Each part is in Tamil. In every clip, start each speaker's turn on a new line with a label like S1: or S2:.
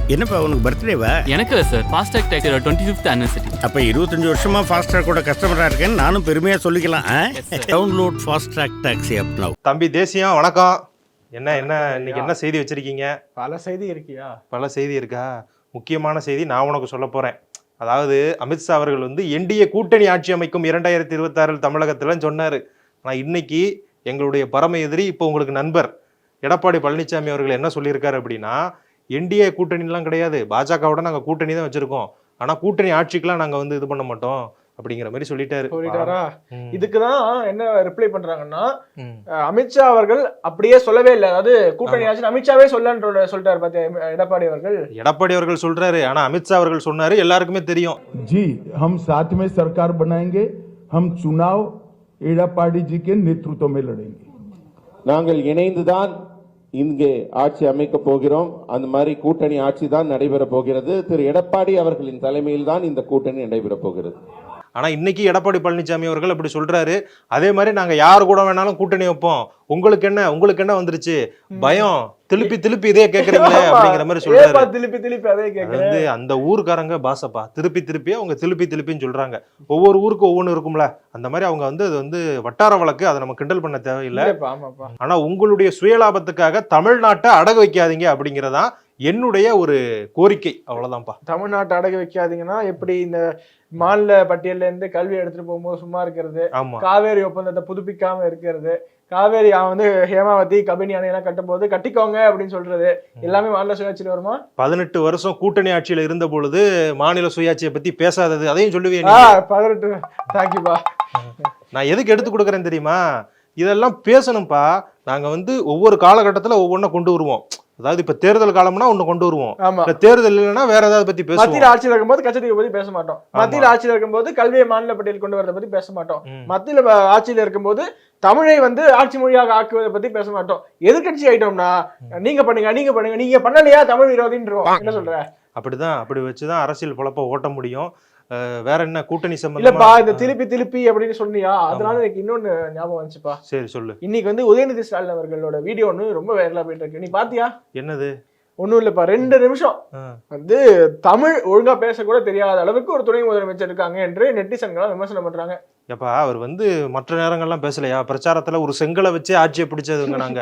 S1: என்னப்பா உனக்கு பர்த்டேவா?
S2: எனக்கு இல்லை சார், ஃபாஸ்டாக் டேக்கரோட 25th anniversary.
S1: அப்போ 25 வருஷமா ஃபாஸ்ட்ராக்கோட கஸ்டமராக இருக்கேன்னு நானும் பெருமையாக சொல்லிக்கலாம். Download Fastrack taxi app now.
S3: தம்பி தேசியம் வணக்கம். என்ன இன்னைக்கு என்ன செய்தி வச்சிருக்கீங்க?
S4: பல செய்தி இருக்கியா?
S3: பல செய்தி இருக்கா? முக்கியமான செய்தி நான் உனக்கு சொல்ல போறேன். அதாவது அமித்ஷா அவர்கள் வந்து என்டிஏ கூட்டணி ஆட்சி அமைக்கும் 2026 தமிழகத்துல சொன்னாரு. ஆனால் இன்னைக்கு எங்களுடைய பரம எதிரி இப்போ உங்களுக்கு நண்பர் எடப்பாடி பழனிசாமி அவர்கள் என்ன சொல்லியிருக்காரு அப்படின்னா, என்டிஏ கூட்டணிலாம் கிடையாது, பாஜகவோட நாங்கள் கூட்டணி தான் வச்சிருக்கோம், ஆனால் கூட்டணி ஆட்சிக்கெல்லாம் நாங்கள் வந்து இது பண்ண மாட்டோம் அப்படிங்கிற மாதிரி சொல்லிட்டாரா?
S4: இதுக்குதான் என்ன ரிப்ளை பண்றாங்கன்னா, அமித்ஷா அவர்கள் அப்படியே சொல்லவே இல்லை, அதாவது கூட்டணி ஆட்சி அமித்ஷாவே சொல்லிட்டாரு பாத்தியா எடப்பாடி அவர்கள்.
S3: எடப்பாடி அவர்கள் சொல்றாரு, ஆனா அமித்ஷா அவர்கள் சொன்னாரு எல்லாருக்குமே தெரியும்.
S5: जी हम साथ में सरकार बनाएंगे, हम चुनाव எடப்பாடி जी के नेतृत्व में लड़ेंगे.
S6: நாங்கள் இணைந்துதான் இங்கே ஆட்சி அமைக்க போகிறோம். அந்த மாதிரி கூட்டணி ஆட்சி தான் நடைபெற போகிறது. திரு எடப்பாடி அவர்களின் தலைமையில் தான் இந்த கூட்டணி நடைபெற போகிறது.
S3: ஆனா இன்னைக்கு எடப்பாடி பழனிசாமி அவர்கள் அப்படி சொல்றாரு. அதே மாதிரி நாங்க யாரு கூட வேணாலும் கூட்டணி வைப்போம், உங்களுக்கு என்ன வந்துருச்சு பயம், திருப்பி இதே கேக்குறீங்களே அப்படிங்கிற மாதிரி சொல்றாரு.
S4: திருப்பி அதே
S3: வந்து அந்த ஊருக்காரங்க பாசப்பா, திருப்பி அவங்க திருப்பின்னு சொல்றாங்க. ஒவ்வொரு ஊருக்கு ஒவ்வொன்று இருக்கும்ல, அந்த மாதிரி அவங்க வந்து அது வந்து வட்டார வழக்கு, அதை நம்ம கிண்டல் பண்ண தேவையில்லை. ஆனா உங்களுடைய சுயலாபத்துக்காக தமிழ்நாட்டை அடகு வைக்காதீங்க அப்படிங்கறதான் என்னுடைய ஒரு கோரிக்கை. அவ்வளவுதான்ப்பா.
S4: தமிழ்நாட்டை அடகு வைக்காதீங்கன்னா எப்படி இந்த மாநில பட்டியல்ல இருந்து கல்வி எடுத்துட்டு போகும்போது சும்மா இருக்கிறது, காவேரி ஒப்பந்தத்தை புதுப்பிக்காம இருக்கிறது, காவேரி வந்து ஹேமாவதி கபினி அணையெல்லாம் கட்டும் போது கட்டிக்கோங்க அப்படின்னு சொல்றது, எல்லாமே மாநில சுயாட்சியில் வருமா?
S3: 18 வருஷம் கூட்டணி ஆட்சியில இருந்த பொழுது மாநில சுயாட்சியை பத்தி பேசாதது, அதையும் சொல்லுவேன்.
S4: 18 தேங்க்யூப்பா.
S3: நான் எதுக்கு எடுத்து கொடுக்குறேன் தெரியுமா? இதெல்லாம் பேசணும்ப்பா. நாங்க வந்து ஒவ்வொரு காலகட்டத்துல ஒவ்வொன்றை கொண்டு வருவோம். அதாவது இப்ப தேர்தல் காலம்னா ஒண்ணு கொண்டு வருவோம், தேர்தல் இல்லைன்னா வேற ஏதாவது பத்தி பேசுவோம்.
S4: மத்தியில் ஆட்சியில் இருக்கும்போது கச்சத்தீவை பத்தி பேச மாட்டோம், மத்தியில் ஆட்சியில் இருக்கும்போது கல்வியை மாநில பட்டியல் கொண்டு வரதை பத்தி பேச மாட்டோம், மத்தியில் ஆட்சியில் இருக்கும்போது தமிழை வந்து ஆட்சி மொழியாக ஆக்குவதை பத்தி பேச மாட்டோம். எதிர்கட்சி ஆயிட்டோம்னா நீங்க பண்ணுங்க நீங்க பண்ணலையா தமிழ் விரோதின்றோம். என்ன சொல்ற?
S3: அப்படிதான், அப்படி வச்சுதான் அரசியல் பொழப்ப ஓட்ட முடியும். வேற என்ன கூட்டணி சம்பந்தமா?
S4: இல்லப்பா, இந்த திருப்பி அப்படின்னு சொன்னியா, அதனால எனக்கு இன்னொன்னு ஞாபகம் வந்துச்சுப்பா.
S3: சரி சொல்லு.
S4: இன்னைக்கு வந்து உதயநிதி ஸ்டாலின் அவர்களோட வீடியோ ஒண்ணு ரொம்ப வைரலா போயிட்டு இருக்கு. நீ பாத்தியா?
S3: என்னது?
S4: ஒண்ணும் இல்லப்பா, 2 நிமிஷம் வந்து தமிழ் ஒழுங்கா பேச கூட தெரியாத அளவுக்கு ஒரு துணை முதலமைச்சர் இருக்காங்க என்று நெட்டிசன்கள் விமர்சனம் பண்றாங்க.
S3: எப்பா அவர் வந்து மற்ற நேரங்கள்லாம் பேசலையா? பிரச்சாரத்துல ஒரு செங்கலை வச்சு ஆட்சியை பிடிச்சதுங்க நாங்க.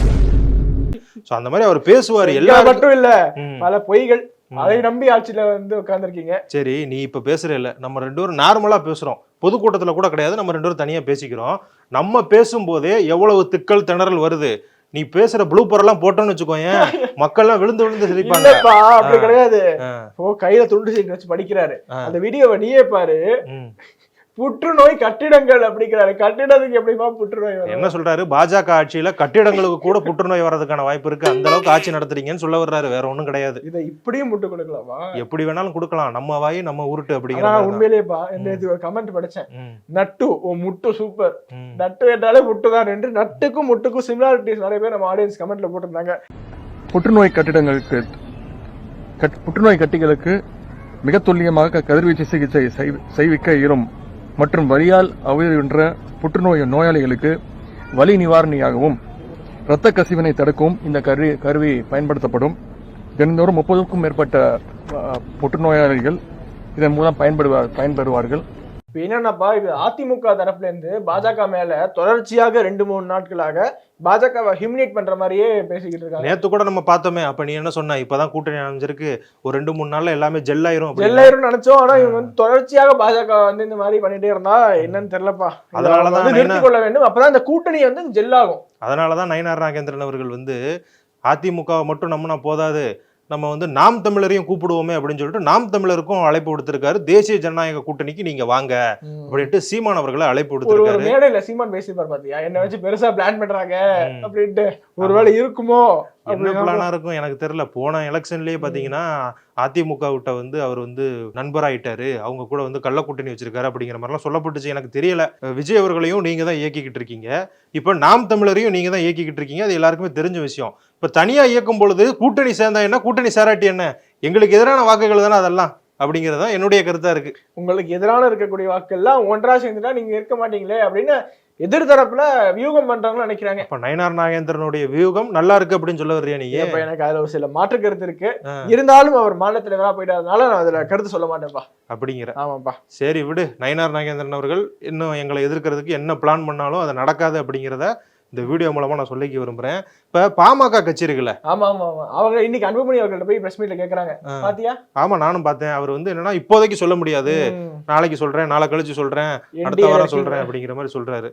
S3: அந்த மாதிரி அவர் பேசுவாரு. எல்லாரும்
S4: மட்டும் இல்ல, பல பொய்கள், அதை நம்பி ஆட்சியில வந்து உட்கார்ந்துருக்கீங்க.
S3: சரி, நீ இப்ப பேசுற இல்ல, நம்ம 2 பேரும் நார்மலா பேசுறோம், பொதுக்கூட்டத்துல கூட கிடையாது, நம்ம 2 பேரும் தனியா பேசிக்கிறோம். நம்ம பேசும்போதே எவ்வளவு திக்கல் திணறல் வருது. நீ பேசுற ப்ளூப்பர் எல்லாம் போட்டோன்னு வச்சுக்கோங்க, மக்கள் எல்லாம் விழுந்து சிரிப்பாங்க.
S4: அப்படி கிடையாது. கையில துண்டு சீட்டு வச்சு படிக்கிறாரு. அந்த வீடியோவை நீயே பாரு. புற்றுநோய் கட்டிடங்கள் அப்படிங்கிறாரு. கட்டிடத்துக்கு எப்படிமா புற்றுநோய்?
S3: என்ன சொல்றாரு? பாஜக ஆட்சியில கட்டிடங்களுக்கு கூட புற்றுநோய் வர்றதுக்கான வாய்ப்பு இருக்கு, அந்த அளவுக்கு ஆட்சி நடத்துறீங்கன்னு சொல்ல வர்றாரு. வேற ஒண்ணும் கிடையாது.
S4: இதை இப்படியும் முட்டு கொடுக்கலாமா?
S3: எப்படி வேணாலும் கொடுக்கலாம், நம்ம வாய் நம்ம உருட்டு அப்படிங்கிற.
S4: உண்மையிலேயேப்பா, ஒரு கமெண்ட் படிச்சேன், நட்டு முட்டு சூப்பர், நட்டு என்றாலே முட்டுதான் என்று. நட்டுக்கும் முட்டுக்கும் சிமிலாரிட்டிஸ் நிறைய பேர் நம்ம ஆடியன்ஸ் கமெண்ட்ல போட்டிருந்தாங்க.
S7: புற்றுநோய் கட்டிகளுக்கு மிக துல்லியமாக கதிர்வீச்சு சிகிச்சை செய்விக்க இயலும் மற்றும் வலியால் அவதியுன்ற புற்றுநோய் நோயாளிகளுக்கு வலி நிவாரணியாகவும் இரத்த கசிவினை தடுக்கவும் இந்த கருவி பயன்படுத்தப்படும். தினந்தோறும் 30க்கும் மேற்பட்ட புற்றுநோயாளிகள் இதன் மூலம் பயன்பெறுவார்கள்.
S4: என்னன்னாப்பா, இது அதிமுக தரப்புல இருந்து பாஜக மேல தொடர்ச்சியாக 2-3 நாட்களாக பாஜகவை ஹிமினேட் பண்ற மாதிரியே பேசிக்கிட்டு இருக்காங்க.
S3: நேத்து கூட நம்ம பார்த்தோமே. அப்ப நீ என்ன சொன்ன? இப்பதான் கூட்டணி அமைஞ்சிருக்கு, ஒரு 2-3 நாள்ல எல்லாமே ஜெல்லாயிரும்
S4: நினைச்சோம். ஆனா இவங்க வந்து தொடர்ச்சியாக பாஜக வந்து இந்த மாதிரி பண்ணிட்டே இருந்தா என்னன்னு தெரியலப்பா. அதனாலதான் நிறுத்திக் கொள்ள வேண்டும், அப்பதான் இந்த கூட்டணி வந்து ஜெல்லாகும்.
S3: அதனாலதான் நயினார் நாகேந்திரன் அவர்கள் வந்து அதிமுக மட்டும் நம்பினா போதாது, நம்ம வந்து நாம் தமிழரையும் கூப்பிடுவோமே அப்படின்னு சொல்லிட்டு நாம் தமிழருக்கும் அழைப்பு விடுத்திருக்காரு. தேசிய ஜனநாயக கூட்டணிக்கு நீங்க வாங்க அப்படின்ட்டு சீமான் அவர்களை அழைப்பு விடுத்திருக்காரு.
S4: மேடையில சீமான் பேசிப்பார் பாத்தியா, என்ன வச்சு பெருசா பிளான் பண்றாங்க அப்படின்ட்டு. ஒருவேளை இருக்குமோ?
S3: என்ன பிளானா இருக்கும் எனக்கு தெரியல. போன எலெக்ஷன்லயே பாத்தீங்கன்னா அதிமுக விட்ட வந்து அவர் வந்து நண்பராயிட்டாரு, அவங்க கூட வந்து கள்ள கூட்டணி வச்சிருக்காரு அப்படிங்கிற மாதிரிலாம் சொல்லப்பட்டுச்சு. எனக்கு தெரியல. விஜய் அவர்களையும் நீங்க தான் இயக்கிக்கிட்டு இருக்கீங்க, இப்ப நாம் தமிழரையும் நீங்க தான் இயக்கிக்கிட்டு இருக்கீங்க, அது எல்லாருக்குமே தெரிஞ்ச விஷயம். இப்ப தனியா இயக்கும் பொழுது கூட்டணி சேர்ந்தா என்ன, கூட்டணி சேராட்டி என்ன, எங்களுக்கு எதிரான வாக்குகள் தானே அதெல்லாம் அப்படிங்கறதா என்னுடைய கருத்தா இருக்கு.
S4: உங்களுக்கு எதிரான இருக்கக்கூடிய வாக்குகள்லாம் ஒன்றா சேர்ந்துட்டா நீங்க இருக்க மாட்டீங்களே அப்படின்னு எதிர்தரப்புல வியூகம் பண்றாங்கன்னு நினைக்கிறாங்க.
S3: அப்ப நயினார் நாகேந்திரனுடைய வியூகம் நல்லா இருக்கு அப்படின்னு சொல்ல வர்றியா நீ?
S4: இப்ப எனக்கு அதுல ஒரு சில மாற்று கருத்து இருக்கு. இருந்தாலும் அவர் மாநில தலைவரா போயிட்டதுனால நான் அதுல கருத்து சொல்ல மாட்டேன்ப்பா.
S3: அப்படிங்கிற.
S4: ஆமாப்பா.
S3: சரி விடு. நயினார் நாகேந்திரன் அவர்கள் இன்னும் எங்களை எதிர்க்கிறதுக்கு என்ன பிளான் பண்ணாலும் அது நடக்காது அப்படிங்கிறத இந்த வீடியோ மூலமா நான் சொல்லிக்க விரும்புறேன். இப்ப பாமக கட்சி இருக்குல்ல,
S4: ஆமா ஆமா ஆமா, அவங்க இன்னைக்கு அன்புமணி அவர்கள்ட்ட போய் பிரஸ் மீட்ல கேக்குறாங்க, பாத்தியா?
S3: ஆமா நானும் பார்த்தேன். அவர் வந்து என்னன்னா இப்போதைக்கு சொல்ல முடியாது, நாளைக்கு சொல்றேன், நாளை கழிச்சு சொல்றேன், அடுத்த வாரம் சொல்றேன் அப்படிங்கிற மாதிரி சொல்றாரு.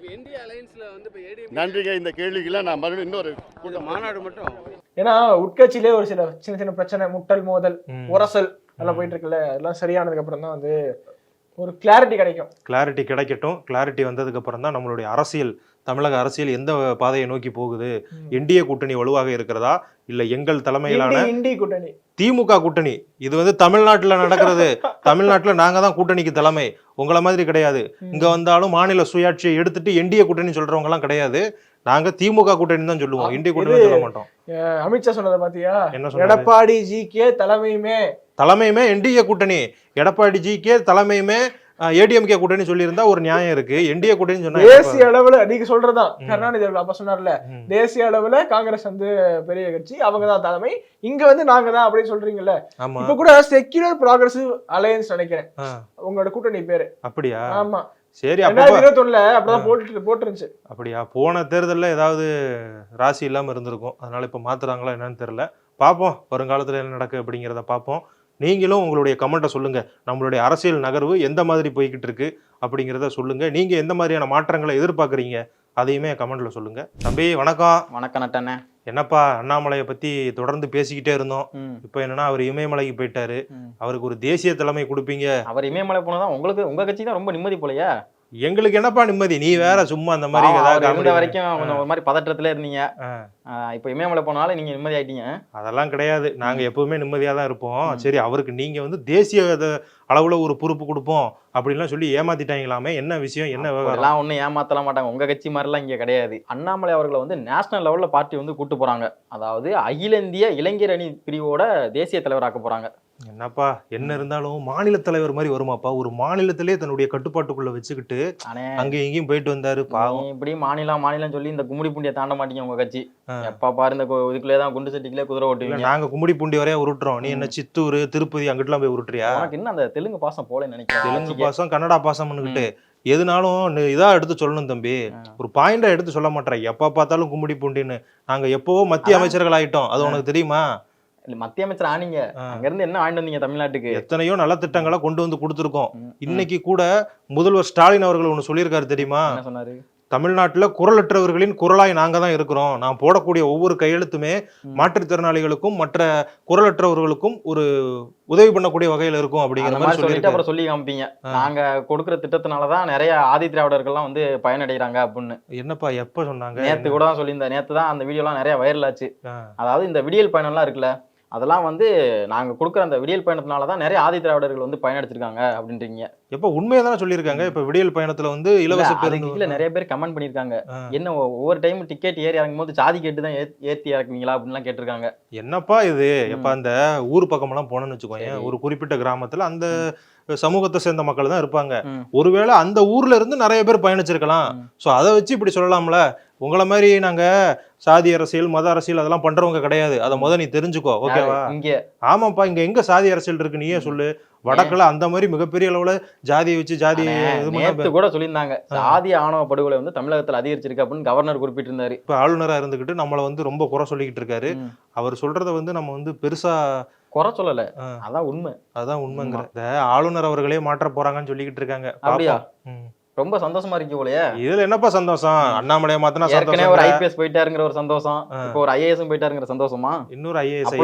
S8: நன்றிங்க. இந்த கேள்விக்கெல்லாம் நான் மறுபடியும் இன்னொரு மாநாடு மட்டும்,
S4: ஏன்னா உட்கட்சியிலே ஒரு சில சின்ன சின்ன பிரச்சனை, முட்டல் மோதல் உரசல் எல்லாம் போயிட்டு இருக்குல்ல, அதெல்லாம் சரியானதுக்கு அப்புறம் தான் வந்து ஒரு கிளாரிட்டி கிடைக்கும்.
S3: கிளாரிட்டி கிடைக்கட்டும். கிளாரிட்டி வந்ததுக்கு அப்புறம் தான் நம்மளுடைய அரசியல், தமிழக அரசியல் எந்த பாதையை நோக்கி போகுது, என்டிஏ கூட்டணி வலுவாக இருக்கிறதா இல்ல எங்கள் தலைமையிலான
S4: கூட்டணி
S3: திமுக கூட்டணி. இது வந்து தமிழ்நாட்டுல நடக்கிறது. தமிழ்நாட்டுல நாங்க தான் கூட்டணிக்கு தலைமை, உங்களை மாதிரி கிடையாது. இங்க வந்தாலும் மாநில சுயாட்சியை எடுத்துட்டு என்டிஏ கூட்டணி சொல்றவங்க எல்லாம் கிடையாது. நாங்க திமுக கூட்டணி தான் சொல்லுவோம், என்டிஏ கூட்டணி சொல்ல மாட்டோம்.
S4: அமித்ஷா சொன்னதை பாத்தியா?
S3: என்ன சொன்னாரு?
S4: எடப்பாடி ஜி கே தலைமையுமே
S3: என்டிஏ கூட்டணி, எடப்பாடி ஜி கே தலைமையுமே ஏடிஎம்கே கூட்டணி சொல்லியிருந்தா ஒரு நியாயம் இருக்கு. என்டிஏ கூட்டணி சொன்னா
S4: தேசிய அளவுல நீங்க சொல்றதான் கருணாநிதி அவர்கள் அப்ப சொன்னார்ல, தேசிய அளவுல காங்கிரஸ் வந்து பெரிய கட்சி, அவங்கதான் தலைமை, இங்க வந்து நாங்க தான் அப்படின்னு சொல்றீங்கல்ல. இப்ப கூட செக்யூலர் ப்ராக்ரசிவ் அலையன்ஸ் நினைக்கிறேன் உங்களோட கூட்டணி பேரு.
S3: அப்படியா?
S4: ஆமா.
S3: சரி,
S4: 2021 அப்படிதான் போட்டுருந்துச்சு.
S3: அப்படியா? போன தேர்தல்ல ஏதாவது ராசி இல்லாம இருந்திருக்கும், அதனால இப்ப மாத்துறாங்களா என்னன்னு தெரியல. பார்ப்போம் வருங்காலத்துல என்ன நடக்கு அப்படிங்கிறத பார்ப்போம். நீங்களும் உங்களுடைய கமெண்ட்டை சொல்லுங்க. நம்மளுடைய அரசியல் நகர்வு எந்த மாதிரி போய்கிட்டு இருக்கு அப்படிங்கிறத சொல்லுங்க. நீங்க எந்த மாதிரியான மாற்றங்களை எதிர்பார்க்குறீங்க அதையுமே கமெண்ட்ல சொல்லுங்க. தம்பி வணக்கம்.
S9: வணக்கம் நட்டண்ணே.
S3: என்னப்பா, அண்ணாமலையை பத்தி தொடர்ந்து பேசிக்கிட்டே இருந்தோம். இப்ப என்னன்னா அவர் இமயமலைக்கு போயிட்டாரு. அவருக்கு ஒரு தேசிய தலைமை கொடுப்பீங்க.
S9: அவர் இமயமலை போனதான் உங்களுக்கு உங்க கட்சி தான் ரொம்ப நிம்மதி போலையா?
S3: எங்களுக்கு என்னப்பா நிம்மதி, நீ வேற சும்மா அந்த மாதிரி
S9: இருந்த வரைக்கும் கொஞ்சம் ஒரு மாதிரி பதற்றத்துல இருந்தீங்க. இப்ப இமயமலை போனாலும் நீங்க நிம்மதி ஆயிட்டீங்க. அதெல்லாம்
S3: கிடையாது, நாங்க எப்பவுமே நிம்மதியா தான் இருப்போம். சரி, அவருக்கு நீங்க வந்து தேசிய அளவுல ஒரு பொறுப்பு கொடுப்போம் அப்படின்லாம் சொல்லி ஏமாத்திட்டாங்களாமே, என்ன விஷயம், என்ன விவகாரம்?
S9: எல்லாம் ஒன்னும் ஏமாத்தலாம் மாட்டாங்க, உங்க கட்சி மாதிரிலாம் இங்க கிடையாது. அண்ணாமலை அவர்களை வந்து நேஷனல் லெவல்ல பார்ட்டி வந்து கூட்டு போறாங்க. அதாவது அகில இந்திய இளைஞர் அணி பிரிவோட தேசிய தலைவராக்க போறாங்க.
S3: என்னப்பா என்ன இருந்தாலும் மாநில தலைவர் மாதிரி வருமாப்பா? ஒரு மாநிலத்திலே தன்னுடைய கட்டுப்பாட்டுக்குள்ள வச்சுக்கிட்டு அங்க எங்கேயும் போயிட்டு வந்தாரு. பாவம்.
S9: இப்படி மாநிலம் சொல்லி இந்த கும்மிடி பூண்டியை தாண்ட மாட்டீங்க உங்க கட்சி. எப்ப பாரு இந்த இதுக்குள்ளேதான் குண்டு சட்டிக்குள்ளே குதிரை ஓட்டுவீங்க.
S3: நாங்க கும்மிடி பூண்டி வரையா உருட்டுறோம், நீ என்ன சித்தூர் திருப்பதி அங்கிட்டுலாம் போய் உருட்டுறியா?
S9: உனக்கு என்ன அந்த தெலுங்கு பாசம் போல நினைக்கிறேன்.
S3: தெலுங்கு பாசம் கன்னடா பாசம்னுக்கிட்டு எதுனாலும் இதா எடுத்து சொல்லணும் தம்பி, ஒரு பாயிண்டா எடுத்து சொல்ல மாட்டேன். எப்ப பார்த்தாலும் கும்மிடி பூண்டின்னு. நாங்க எப்பவோ மத்திய அமைச்சர்கள் ஆயிட்டோம், அது உனக்கு தெரியுமா?
S9: இல்ல மத்திய அமைச்சர் ஆனீங்க, அங்க இருந்து என்ன வாங்கிட்டு வந்தீங்க தமிழ்நாட்டுக்கு?
S3: எத்தனையோ நல்ல திட்டங்களை கொண்டு வந்து கொடுத்துருக்கோம். இன்னைக்கு கூட முதல்வர் ஸ்டாலின் அவர்கள் ஒண்ணு சொல்லியிருக்காரு தெரியுமா?
S9: என்ன சொன்னாரு?
S3: தமிழ்நாட்டுல குரலற்றவர்களின் குரலாய் நாங்க தான் இருக்கிறோம். நான் போடக்கூடிய ஒவ்வொரு கையெழுத்துமே மாற்றுத்திறனாளிகளுக்கும் மற்ற குரலற்றவர்களுக்கும் ஒரு உதவி பண்ணக்கூடிய வகையில இருக்கும் அப்படிங்கிற மாதிரி சொல்லிட்டு
S9: அப்புறம் சொல்லி காமிப்பீங்க, நாங்க கொடுக்குற திட்டத்தினாலதான் நிறைய ஆதி திராவிடர்கள்லாம் வந்து பயனடைகிறாங்க அப்படின்னு.
S3: என்னப்பா எப்ப சொன்னாங்க?
S9: நேத்து கூட தான் சொல்லியிருந்தேன். நேத்து தான் அந்த வீடியோ எல்லாம் நிறைய வைரல் ஆச்சு. அதாவது இந்த விடியல் பயணம் எல்லாம் இருக்குல்ல, அதெல்லாம் வந்து நாங்க கொடுக்குற அந்த விடியல் பயணத்தினாலதான் நிறைய ஆதி திராவிடர்கள் வந்து பயனடைச்சிருக்காங்க அப்படின்றீங்க.
S3: எப்ப உண்மையதான் சொல்லியிருக்காங்க. இப்ப விடியல் பயணத்துல வந்து இலவச பேருந்து
S9: நிறைய பேர் கமெண்ட் பண்ணிருக்காங்க, என்ன ஒவ்வொரு டைம் டிக்கெட் ஏறி இறங்கும் போது சாதி கேட்டு தான் ஏத்தி இறக்குவீங்களா அப்படின்லாம் கேட்டிருக்காங்க.
S3: என்னப்பா இது? எப்ப அந்த ஊர் பக்கம் எல்லாம் போனோம்னு வச்சுக்கோங்க, ஒரு குறிப்பிட்ட கிராமத்துல அந்த சமூகத்தை சேர்ந்த மக்கள் தான் இருப்பாங்க. ஒருவேளை அந்த ஊர்ல இருந்து நிறைய பேர் பயணிச்சிருக்கலாம். சோ அதை வச்சு இப்படி சொல்லலாம்ல. உங்களை மாதிரி நாங்க சாதி அரசியல் மத அரசியல் அதெல்லாம் பண்றவங்க கிடையாது, அதை நீ தெரிஞ்சுக்கோ, ஓகேவா? ஆமாப்பா, இங்க எங்க சாதி அரசியல் இருக்கு நீயே சொல்லு. வடக்குல அந்த மாதிரி மிகப்பெரிய அளவுல ஜாதியை வச்சு ஜாதி
S9: கூட சொல்லியிருந்தாங்க. சாதி ஆணவ படுகொலை வந்து தமிழகத்துல அதிகரிச்சிருக்கு அப்படின்னு கவர்னர் குறிப்பிட்டிருந்தாரு.
S3: இப்ப ஆளுநரா இருந்துகிட்டு நம்மளை வந்து ரொம்ப குறை சொல்லிக்கிட்டு இருக்காரு. அவர் சொல்றத வந்து நம்ம வந்து பெருசா
S9: குறை சொல்லல, அதான் உண்மை.
S3: அதான் உண்மைங்கிற. இந்த ஆளுநர் அவர்களே மாற்ற போறாங்கன்னு சொல்லிக்கிட்டு இருக்காங்க.
S9: அப்படியா? ரொம்ப சந்தோஷமா இருக்கு போலயே.
S3: இதுல என்னப்பா சந்தோஷம்? அண்ணாமலையை மாத்தினா
S9: ஏற்கனவே ஒரு ஐபிஎஸ் போயிட்டாருங்கிற ஒரு சந்தோஷம், இப்போ ஒரு ஐஏஎஸ் போயிட்டாருங்கிற சந்தோஷமா?
S3: இன்னொரு ஐஏஎஸ்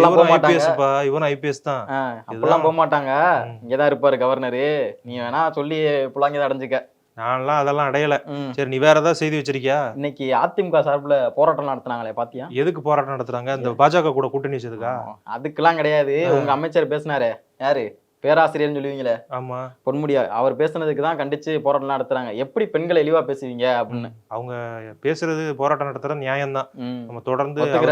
S3: இவன் ஐபிஎஸ் தான்.
S9: அப்பெல்லாம் போக மாட்டாங்க, இங்கதான் இருப்பாரு கவர்னரு. நீ வேணா சொல்லி புள்ளாங்கதான் அடைஞ்சுக்க.
S3: நான்லாம் அதெல்லாம் அடையல. சரி, நீ வேற ஏதாவது செய்தி வச்சிருக்கியா?
S9: இன்னைக்கு அதிமுக சார்பில் போராட்டம் நடத்தினாங்களே, பாத்தியா?
S3: எதுக்கு போராட்டம் நடத்துறாங்க? இந்த பாஜக கூட கூட்டணி வச்சதுக்கா?
S9: அதுக்கெல்லாம் கிடையாது. உங்க அமைச்சர் பேசினாரு, யாரு பேராசிரியர்னு சொல்லுவீங்களே,
S3: ஆமா,
S9: பொன்முடியா, அவர் பேசுனதுக்கு தான் கண்டிச்சு போராட்டம் நடத்துறாங்க. எப்படி பெண்களை இழிவா பேசுவீங்க அப்படின்னு.
S3: அவங்க பேசுறது போராட்டம் நடத்துற நியாயம் தான். நம்ம தொடர்ந்து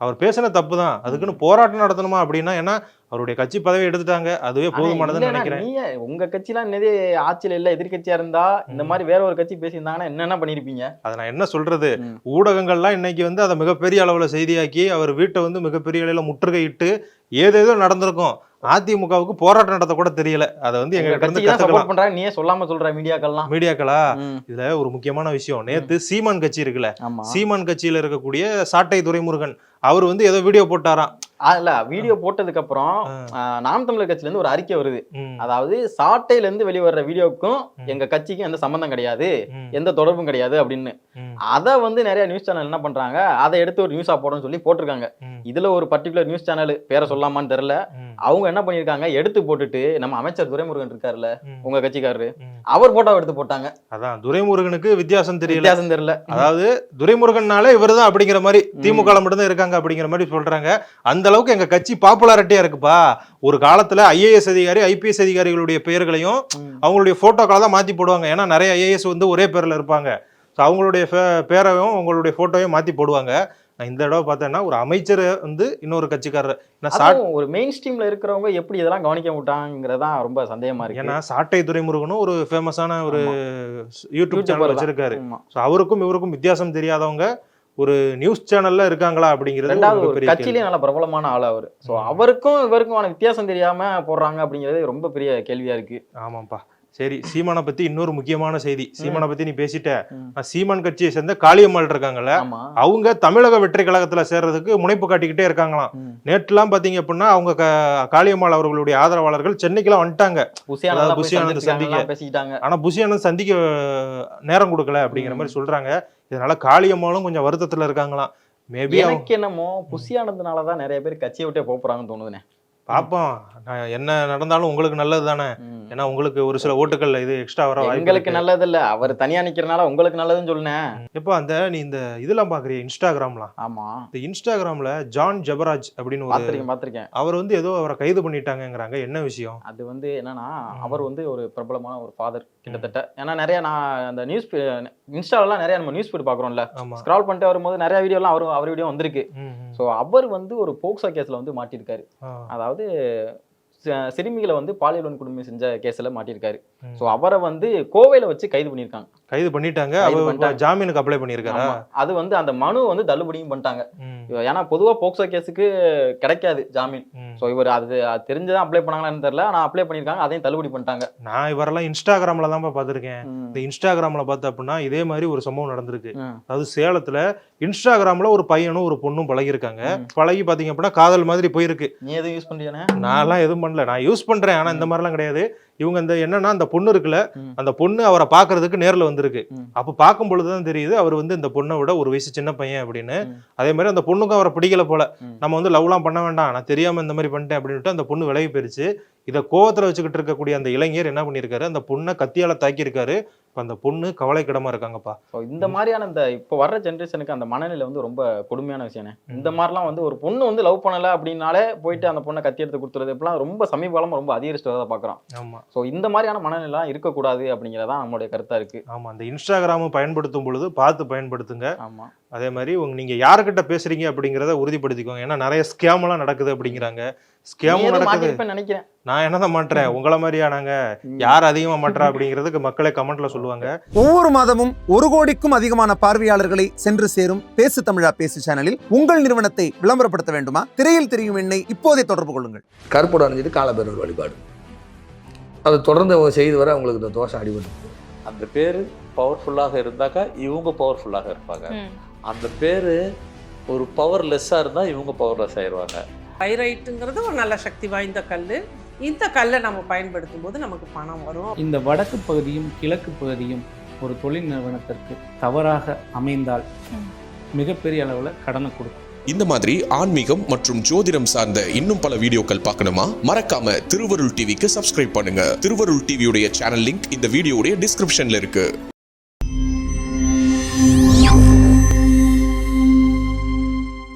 S3: அவர் பேசின தப்பு தான், அதுக்குன்னு போராட்டம் நடத்தணுமா அப்படின்னா, ஏன்னா அவருடைய கட்சி பதவி எடுத்துட்டாங்க, அதுவே போதுமானதுன்னு நினைக்கிறேன்.
S9: நீங்க உங்க கட்சிலாம் என்னது ஆட்சியில இல்ல, எதிர்கட்சியா இருந்தா இந்த மாதிரி வேற ஒரு கட்சி பேசியிருந்தாங்கன்னா என்னென்ன பண்ணிருப்பீங்க?
S3: அதை நான் என்ன சொல்றது, ஊடகங்கள்லாம் இன்னைக்கு வந்து அதை மிகப்பெரிய அளவுல செய்தியாக்கி அவர் வீட்டை வந்து மிகப்பெரிய அளவுல முற்றுகையிட்டு ஏதேதோ நடந்திருக்கும். அதிமுகவுக்கு போராட்டம் நடத்த கூட தெரியல. அதை வந்து எங்க கிட்ட இருந்து
S9: சப்போர்ட் பண்றாங்க, நீயே சொல்லாம சொல்ற
S3: மீடியாக்களா. இதுல ஒரு முக்கியமான விஷயம், நேத்து சீமான் கட்சி இருக்குல்ல, சீமான் கட்சியில இருக்கக்கூடிய சாட்டை துரைமுருகன் அவர் வந்து ஏதோ வீடியோ போட்டாராம்.
S9: இல்ல வீடியோ போட்டதுக்கு அப்புறம் நாம் தமிழர் கட்சியில இருந்து ஒரு அறிக்கை வருது. அதாவது சாட்டையில இருந்து வெளிவர்ற வீடியோக்கும் எங்க கட்சிக்கும் எந்த சம்பந்தம் கிடையாது, எந்த தொடர்பும் கிடையாது அப்படின்னு. அத வந்து நிறைய நியூஸ் சேனல் என்ன பண்றாங்க, அதை எடுத்து ஒரு நியூஸா போடணும்னு சொல்லி போட்டிருக்காங்க. இதுல ஒரு பர்டிகுலர் நியூஸ் சேனல் பேரை சொல்லாமான்னு தெரியல, அவங்க என்ன பண்ணிருக்காங்க, எடுத்து போட்டுட்டு நம்ம அமைச்சர் துரைமுருகன் இருக்காருல்ல உங்க கட்சிக்காரரு, அவர் போட்டோ எடுத்து போட்டாங்க.
S3: அதான் துரைமுருகனுக்கு வித்தியாசம் தெரியல. அதாவது துரைமுருகன்னாலே இவர்தான் அப்படிங்கிற மாதிரி, திமுக மட்டும்தான் இருக்காங்க அப்படிங்கிற மாதிரி சொல்றாங்க. அந்த அளவுக்கு எங்க கட்சி பாப்புலாரிட்டியா இருக்குப்பா. ஒரு காலத்துல ஐஏஎஸ் அதிகாரி ஐபிஎஸ் அதிகாரிகளுடைய பெயர்களையும் அவங்களுடைய போட்டோக்களை தான் மாத்தி போடுவாங்க. ஏன்னா நிறைய ஐஏஎஸ் வந்து ஒரே பேர்ல இருப்பாங்க. அவங்களுடைய பேரையும் உங்களுடைய போட்டோவையும் மாத்தி போடுவாங்க. நான் இந்த தடவை பார்த்தேன்னா ஒரு அமைச்சர் வந்து இன்னொரு கட்சிக்காரர்,
S9: ஒரு மெயின் ஸ்ட்ரீம்ல இருக்கிறவங்க எப்படி இதெல்லாம் கவனிக்க மாட்டாங்கிறதா ரொம்ப சந்தேகமா இருக்கு.
S3: ஏன்னா சாட்டை துரைமுருகனும் ஒரு ஃபேமஸான ஒரு யூடியூப் சேனல் வச்சிருக்காரு. அவருக்கும் இவருக்கும் வித்தியாசம் தெரியாதவங்க ஒரு நியூஸ் சேனல்ல இருக்காங்களா அப்படிங்கிறது.
S9: கட்சியிலேயே நல்ல பிரபலமான ஆள் அவரு. சோ அவருக்கும் இவருக்குமான வித்தியாசம் தெரியாம போடுறாங்க அப்படிங்கிறது ரொம்ப பெரிய கேள்வியா இருக்கு.
S3: ஆமாப்பா. சரி, சீமானை பத்தி இன்னொரு முக்கியமான செய்தி. சீமானை பத்தி நீ பேசிட்ட. சீமான் கட்சியை சேர்ந்த காளியம்மாள் இருக்காங்கல்ல, அவங்க தமிழக வெற்றி கழகத்துல சேர்றதுக்கு முனைப்பு காட்டிக்கிட்டே இருக்காங்களாம். நேற்றுலாம் பாத்தீங்க அப்படின்னா அவங்க காளியம்மாள் அவர்களுடைய ஆதரவாளர்கள் சென்னைக்குலாம் வந்துட்டாங்க புஷி ஆனந்த் சந்திக்க. ஆனா புஷி ஆனந்த் சந்திக்க நேரம் கொடுக்கல அப்படிங்கிற மாதிரி சொல்றாங்க. இதனால காளியம்மாளும் கொஞ்சம் வருத்தத்துல இருக்காங்களாம். மேபி
S9: எனக்கு என்னமோ புஷி ஆனந்த்னாலதான் நிறைய பேர் கட்சியை விட்டே போறாங்கன்னு தோணுதுனே.
S3: பாப்போம், என்ன நடந்தாலும் உங்களுக்கு நல்லது தானே. ஏன்னா உங்களுக்கு ஒரு சில ஓட்டுகள் இது எக்ஸ்ட்ரா வர
S9: உங்களுக்கு நல்லது இல்ல, அவர் தனியா நிக்கிறனால உங்களுக்கு நல்லதுன்னு சொல்லுனேன்.
S3: எப்போ அந்த நீ இந்த இதெல்லாம் பாக்குறிய இன்ஸ்டாகிராம்லாம்?
S9: ஆமா,
S3: இந்த இன்ஸ்டாகிராம்ல ஜான் ஜபராஜ் அப்படின்னு
S9: பாத்திருக்கேன்.
S3: அவர் வந்து ஏதோ அவரை கைது பண்ணிட்டாங்கிறாங்க. என்ன விஷயம்
S9: அது? வந்து என்னன்னா, அவர் வந்து ஒரு பிரபலமான ஒரு ஃபாதர் கிட்டத்தட்ட. ஏன்னா நிறைய நான் அந்த நியூஸ் இன்ஸ்டாலாம் நிறைய நம்ம நியூஸ் ஃபீட் பாக்குறோம்ல, ஸ்க்ரால் பண்ணிட்டு வரும்போது நிறைய வீடியோ எல்லாம் அவர் வீடியோ வந்திருக்கு. சோ அவர் வந்து ஒரு போக்சோ கேஸ்ல வந்து மாட்டிருக்காரு. அதாவது சிறுமிகளை வந்து பாலியல் வன்கொடுமை செஞ்ச கேஸ்ல மாட்டிருக்காரு. சோ அவரை வந்து கோவையில வச்சு கைது பண்ணிட்டாங்க. ஜாமீனுக்கு அப்ளை பண்ணிருக்காரு. அது வந்து அந்த மனு வந்து தள்ளுபடியும் பண்ணிட்டாங்க. ஏன்னா பொதுவா போக்சோ கேஸுக்கு கிடைக்காது ஜாமீன். சோ இவர் அது தெரிஞ்சுதான் அப்ளை பண்ணாங்களான்னு தெரியல, ஆனா அப்ளை பண்ணிருக்காங்க, அதையும் தள்ளுபடி பண்ணிட்டாங்க.
S3: நான் இவரெல்லாம் இன்ஸ்டாகிராம்ல தான் பாத்திருக்கேன். இந்த இன்ஸ்டாகிராம்ல பார்த்தா அப்படின்னா இதே மாதிரி ஒரு சம்பவம் நடந்திருக்கு. அதாவது சேலத்துல இன்ஸ்டாகிராம்ல ஒரு பையனும் ஒரு பொண்ணும் பழகிருக்காங்க. பழகி பாத்தீங்க அப்படின்னா காதல் மாதிரி போயிருக்கு.
S9: நீ எதுவும் யூஸ் பண்றியா?
S3: நான் எல்லாம் எதுவும் பண்ணல, நான் யூஸ் பண்றேன். ஆனா இந்த மாதிரிலாம் கிடையாது. இவங்க இந்த என்னன்னா, அந்த பொண்ணு இருக்குல்ல, அந்த பொண்ணு அவரை பாக்குறதுக்கு நேர்ல வந்திருக்கு. அப்ப பார்க்கும் பொழுதுதான் தெரியுது அவர் வந்து இந்த பொண்ணை விட ஒரு வயசு சின்ன பையன் அப்படின்னு. அதே மாதிரி அந்த பொண்ணுக்கும் அவரை பிடிக்கல போல. நம்ம வந்து லவ்லாம் பண்ண வேண்டாம், நான் தெரியாம இந்த மாதிரி பண்ணிட்டேன் அப்படின்ட்டு அந்த பொண்ணு விலகி போயிருச்சு. இதை கோவத்துல வச்சுக்கிட்டு இருக்கக்கூடிய அந்த இளைஞர் என்ன பண்ணிருக்காரு, அந்த பொண்ணை கத்தியால தாக்கியிருக்காரு. அந்த பொண்ணு கவலைக்கிடமா இருக்காங்கப்பா.
S9: இந்த மாதிரியான இந்த இப்போ வர்ற ஜென்ரேஷனுக்கு அந்த மனநிலை வந்து ரொம்ப கொடுமையான விஷயம். இந்த மாதிரிலாம் வந்து ஒரு பொண்ணு வந்து லவ் பண்ணல அப்படின்னாலே போயிட்டு அந்த பொண்ணை கத்தி எடுத்து கொடுத்துறது இப்பெல்லாம் ரொம்ப சமீப காலமா ரொம்ப அதிகரிச்சுட்டு பாக்குறோம். ஆமா, ஸோ இந்த மாதிரியான மனநிலை இருக்கக்கூடாது அப்படிங்கிறதான் நம்மளுடைய கருத்தா இருக்கு.
S3: ஆமா, அந்த இன்ஸ்டாகிராம் பயன்படுத்தும் பொழுது பார்த்து பயன்படுத்துங்க. ஆமா, அதே மாதிரி நீங்க யாருக்கிட்ட பேசுறீங்க அப்படிங்கிறத உறுதிப்படுத்திக்கோங்க. ஏன்னா நிறைய ஸ்கேம் எல்லாம் நடக்குது அப்படிங்கிறாங்க. ஸ்கேமும் நடக்குது நினைக்கிறேன். நான் என்னதான் மாட்டுறேன், உங்களை மாதிரியா நாங்க யார் அதிகமா மாட்டுறா அப்படிங்கிறதுக்கு மக்களே கமெண்ட்ல சொல்லுவாங்க.
S10: ஒவ்வொரு மாதமும் 1 கோடிக்கும் அதிகமான பார்வையாளர்களை சென்று சேரும் பேசு தமிழா பேசு சேனலில் உங்கள் நிறுவனத்தை விளம்பரப்படுத்த வேண்டுமா? திரையில் தெரியும் எண்ணை இப்போதே தொடர்பு கொள்ளுங்கள்.
S11: கருப்போடு அணிஞ்சிட்டு காலபைரவர் வழிபாடு, அதை தொடர்ந்து செய்து வர அவங்களுக்கு இந்த தோஷம் அடிபட்டு.
S12: அந்த பேரு பவர்ஃபுல்லாக இருந்தாக்கா இவங்க பவர்ஃபுல்லாக இருப்பாங்க. அந்த பேரு ஒரு பவர்லெஸ்ஸா இருந்தா இவங்க பவர்லெஸ் ஆயிடுவாங்க.
S13: பைரைட்டுங்கிறது ஒரு நல்ல சக்தி வாய்ந்த கல். இந்த கல்லை நம்ம பயன்படுத்தும் போது நமக்கு பணம் வரும்.
S14: இந்த வடக்கு பகுதியும் கிழக்கு பகுதியும் ஒரு தொழில் நிறுவனத்திற்கு தவறாக அமைந்தால் மிகப்பெரிய அளவில் கடனை கொடுக்கும்.
S15: இந்த மாதிரி ஆன்மீகம் மற்றும் ஜோதிடம் சார்ந்த இன்னும் பல வீடியோக்கள் பார்க்கணுமா? மறக்காம திருவருள் டிவிக்கு சப்ஸ்கிரைப் பண்ணுங்க. திருவருள் டிவியுடைய சேனல் லிங்க் இந்த வீடியோடைய டிஸ்கிரிப்ஷன்ல இருக்கு.